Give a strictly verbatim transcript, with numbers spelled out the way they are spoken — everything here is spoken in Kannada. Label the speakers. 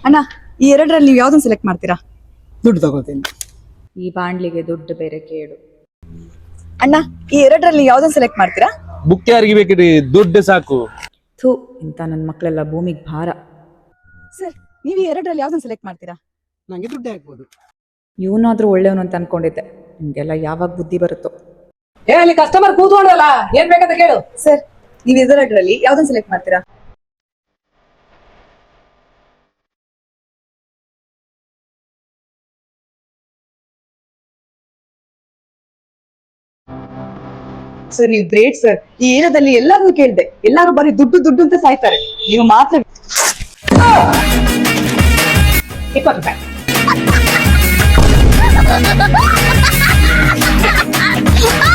Speaker 1: ಅಣ್ಣ ಈ ಎರಡರಲ್ಲಿ ನೀವು ಯಾವ್ದನ್ನ ಸೆಲೆಕ್ಟ್ ಮಾಡ್ತೀರಾ?
Speaker 2: ದುಡ್ಡು ತಗೋತೀನಿ.
Speaker 3: ಈ ಬಾಂಡ್ಲಿಗೆ ದುಡ್ಡು ಬೇರೆ ಕೇಳು.
Speaker 1: ಅಣ್ಣ ಈ ಎರಡರಲ್ಲಿ ಯಾವ್ದನ್ನ ಸೆಲೆಕ್ಟ್ ಮಾಡ್ತೀರಾ?
Speaker 4: ಬುಕ್ ಯಾರಿಗೆ ಬೇಕ್ರಿ, ದುಡ್ಡು ಸಾಕು.
Speaker 3: ಥೂ, ಇಂಥ ನನ್ನ ಮಕ್ಕಳೆಲ್ಲ ಭೂಮಿಗೆ ಭಾರ.
Speaker 1: ಸರ್ ನೀವು ಈ ಎರಡರಲ್ಲಿ ಯಾವ್ದನ್ನ ಸೆಲೆಕ್ಟ್ ಮಾಡ್ತೀರಾ?
Speaker 2: ನಂಗೆ ದುಡ್ಡು ಹಾಕ್ಬೋದು.
Speaker 3: ಇವನಾದ್ರೂ ಒಳ್ಳೆಯವನು ಅಂತ ಅನ್ಕೊಂಡಿದ್ದೆ. ನಿಮ್ಗೆಲ್ಲ ಯಾವಾಗ ಬುದ್ಧಿ ಬರುತ್ತೋ.
Speaker 5: ಏ ಅಲ್ಲಿ ಕಸ್ಟಮರ್ ಕೂತ್ಕೊಂಡಲ್ಲ, ಏನ್ ಬೇಕಂತ ಕೇಳು.
Speaker 1: ಸರ್ ನೀವು ಇದೆರಡರಲ್ಲಿ ಯಾವ್ದನ್ನ ಸೆಲೆಕ್ಟ್ ಮಾಡ್ತೀರಾ? ಸರ್ ನೀವು ಗ್ರೇಟ್ ಸರ್. ಈ ಏರಿಯಾದಲ್ಲಿ ಎಲ್ಲಾರು ಕೇಳಿದೆ, ಎಲ್ಲಾರು ಬರೀ ದುಡ್ಡು ದುಡ್ಡು ಅಂತ ಸಾಯ್ತಾರೆ, ನೀವು ಮಾತ್ರ
Speaker 5: ಇಪ್ಪತ್ತು ರೂಪಾಯಿ